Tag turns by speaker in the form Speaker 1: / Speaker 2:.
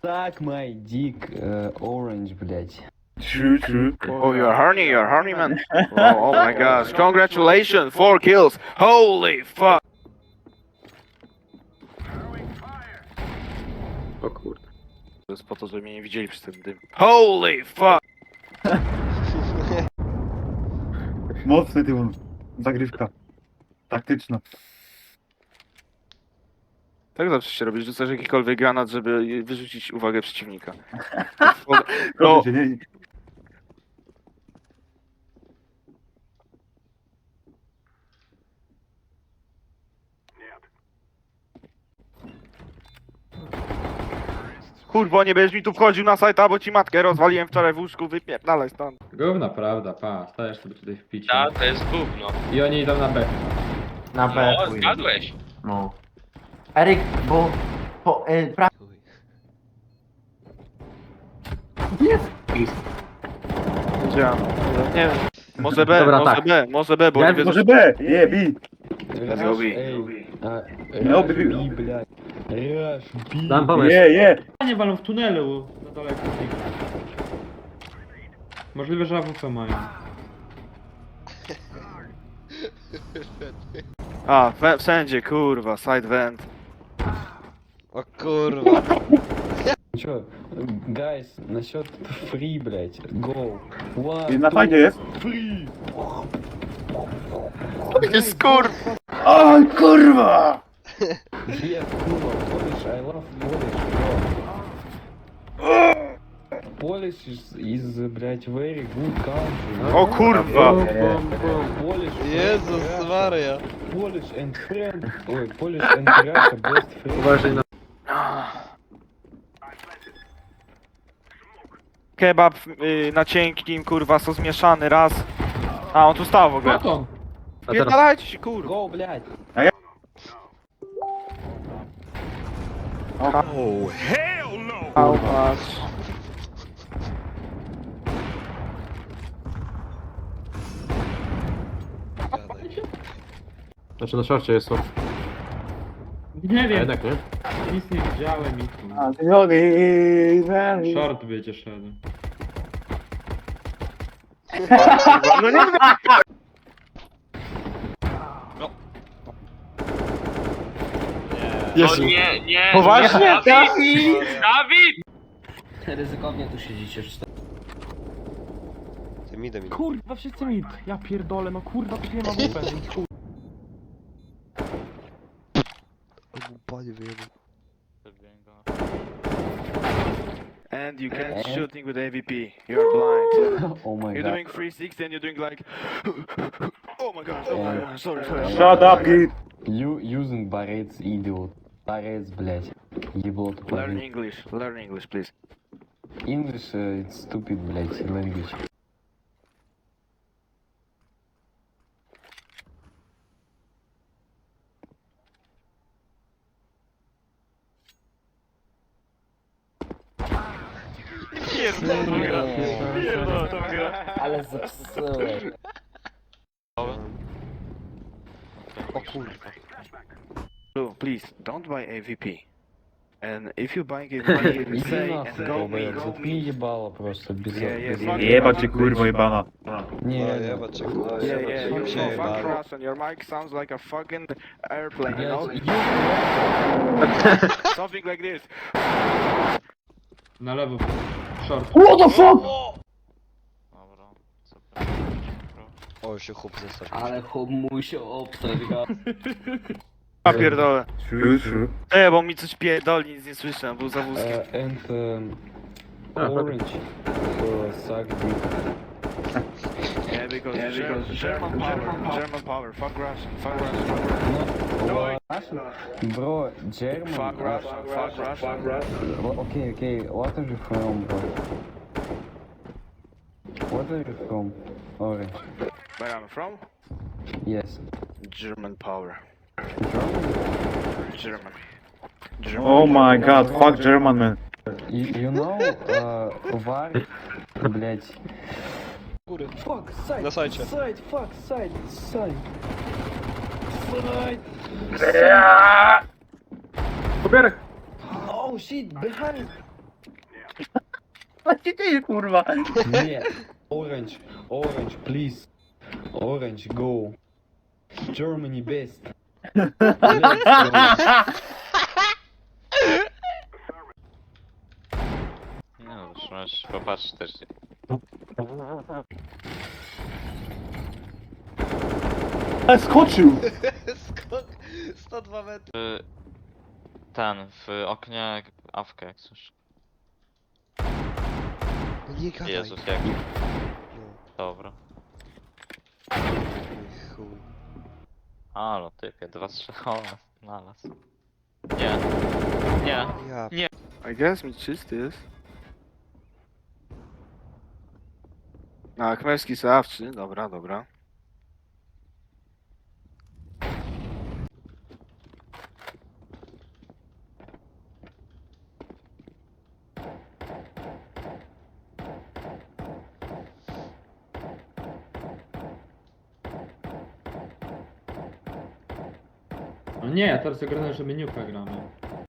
Speaker 1: Suck my dick, orange, блядь.
Speaker 2: True.
Speaker 3: Oh, you're horny, man. Oh my gosh. Congratulations, 4 kills. Holy fuck.
Speaker 2: O kurde.
Speaker 3: To jest po to, żeby mnie nie widzieli przez ten dym. Holy fuck.
Speaker 4: Mocny ty on. Zagrywka. Taktyczna.
Speaker 3: Tak zawsze się robi, rzucasz jakikolwiek granat, żeby wyrzucić uwagę przeciwnika.
Speaker 4: Proszę cię, nie.
Speaker 3: Kurwo, nie będziesz mi tu wchodził na sajta, bo ci matkę rozwaliłem wczoraj w łóżku, wypierdalaj stąd.
Speaker 2: Gówna prawda, pa. Stajesz sobie tutaj w picie.
Speaker 5: Ta, to jest gówno.
Speaker 2: I oni idą na B.
Speaker 6: Na B.
Speaker 5: No, zgadłeś.
Speaker 6: No. Eryk, bo...
Speaker 3: Wiedziałem. Nie wiem. Może B,
Speaker 6: Dobra,
Speaker 3: może
Speaker 6: tak.
Speaker 3: B, może B, bo
Speaker 6: Ja
Speaker 3: nie wiedzą.
Speaker 4: Może B! Nie, B!
Speaker 3: Let's go B.
Speaker 4: No,
Speaker 1: Rush
Speaker 4: B.
Speaker 1: B, блядь. Rush B.
Speaker 6: Dam pomysł.
Speaker 4: Nie!
Speaker 7: Nie walą w tunelu na daleko. Możliwe, że AWP mają.
Speaker 3: A, wszędzie, kurwa, side vent.
Speaker 8: O kurwa.
Speaker 1: Чё, guys, насчет free, блядь. Go.
Speaker 4: I na fajnie jest.
Speaker 1: Free.
Speaker 3: Jest kur...
Speaker 4: Oj, kurwa!
Speaker 1: Yeah, kurwa, Polish, I love Polish, bro. Polish is, блядь, very good country.
Speaker 3: O kurwa!
Speaker 1: Polish,
Speaker 8: Jezus Maria.
Speaker 1: Polish and friend, ой, Polish and Russia best friend.
Speaker 2: Uważaj na...
Speaker 3: Kebab na cienkim, kurwa, sos mieszany, raz. A, on tu stał w ogóle.
Speaker 7: Baton!
Speaker 2: A teraz...
Speaker 3: Pierdalajcie się, kurwa.
Speaker 1: Go, блядь.
Speaker 3: How much?
Speaker 2: Znaczy na szorcie jest to.
Speaker 7: Nie
Speaker 2: A
Speaker 7: wiem,
Speaker 2: jednak nie?
Speaker 7: nic nie widziałem i tu.
Speaker 4: A ty nogi,
Speaker 7: Short będzie szedł.
Speaker 3: No nie
Speaker 5: No nie.
Speaker 3: Poważnie?
Speaker 5: Dawid!
Speaker 6: Ryzykownie tu siedzicie.
Speaker 8: Ty midem idę.
Speaker 7: Kurwa, wszyscy mid. Ja pierdolę, no kurwa, nie ma AWP.
Speaker 8: Panie wyjebał.
Speaker 3: And you can't shooting with AVP. You're blind.
Speaker 1: Oh my
Speaker 3: You're
Speaker 1: god.
Speaker 3: doing 360 and you're doing like... Oh my god, sorry.
Speaker 4: Shut up, git!
Speaker 1: You using barrets, idiot. Barrets, блядь. Ебло
Speaker 3: Learn
Speaker 1: тупорый.
Speaker 3: English, please.
Speaker 1: English, it's stupid, блядь, language.
Speaker 6: Ale zepsułeś.
Speaker 8: O kurwa.
Speaker 3: So, please, don't buy AVP. And if you buy AVP,
Speaker 1: Иди
Speaker 3: say and
Speaker 1: нахуй,
Speaker 3: go
Speaker 1: долбоёб,
Speaker 3: me.
Speaker 1: заткни ебало просто, без... без-
Speaker 3: fuck
Speaker 4: Jeba cię, kurwo jebana.
Speaker 1: Не,
Speaker 8: No
Speaker 1: реально.
Speaker 8: jeba cię kurwa.
Speaker 3: Yeah, you
Speaker 8: Się
Speaker 3: know, fuck
Speaker 8: jebałem.
Speaker 3: Russian. Your mic sounds like a fucking airplane, you know?
Speaker 1: Блядь,
Speaker 3: Something like this.
Speaker 7: Na lewo. Short.
Speaker 4: What the fuck?
Speaker 8: O, się chłop zestaw.
Speaker 6: Ale mu się obstawiła.
Speaker 3: Ja pierdolę.
Speaker 4: True.
Speaker 3: Bo mi coś pierdoli, nic nie słyszę, był za wózkiem.
Speaker 1: and orange, suck dick.
Speaker 3: Yeah, because German power, fuck Russian.
Speaker 1: Bro, German.
Speaker 3: Fuck Russian.
Speaker 1: Okay, what are you from, bro? What are you from? Orange.
Speaker 3: Where I'm from?
Speaker 1: Yes.
Speaker 3: German power. German.
Speaker 4: Oh my god, fuck German man.
Speaker 1: You know, var, блять. Fuck, side,
Speaker 8: Na sajcie.
Speaker 1: side, fuck, side. Side.
Speaker 2: Pobierek!
Speaker 1: Oh shit, behind.
Speaker 4: Co się dzieje, kurwa?
Speaker 1: Nie. Orange, orange, please. Orange, go. Germany best. Let's go.
Speaker 5: No już możesz popatrzeć też.
Speaker 4: A skoczył!
Speaker 8: Skok 102 metry.
Speaker 5: Ten, w oknie awkę jak coś.
Speaker 8: No nie gadaj.
Speaker 5: Jezus, jak.
Speaker 8: No,
Speaker 5: Dobra.
Speaker 8: chuj.
Speaker 5: Halo, typie, 2 strzały znalazł. Nie. Nie.
Speaker 8: Ja
Speaker 3: I guess mi czysty jest. A, Khmerski Sawczy, dobra, dobra.
Speaker 7: No nie, teraz oglądam, że meniuka gramy.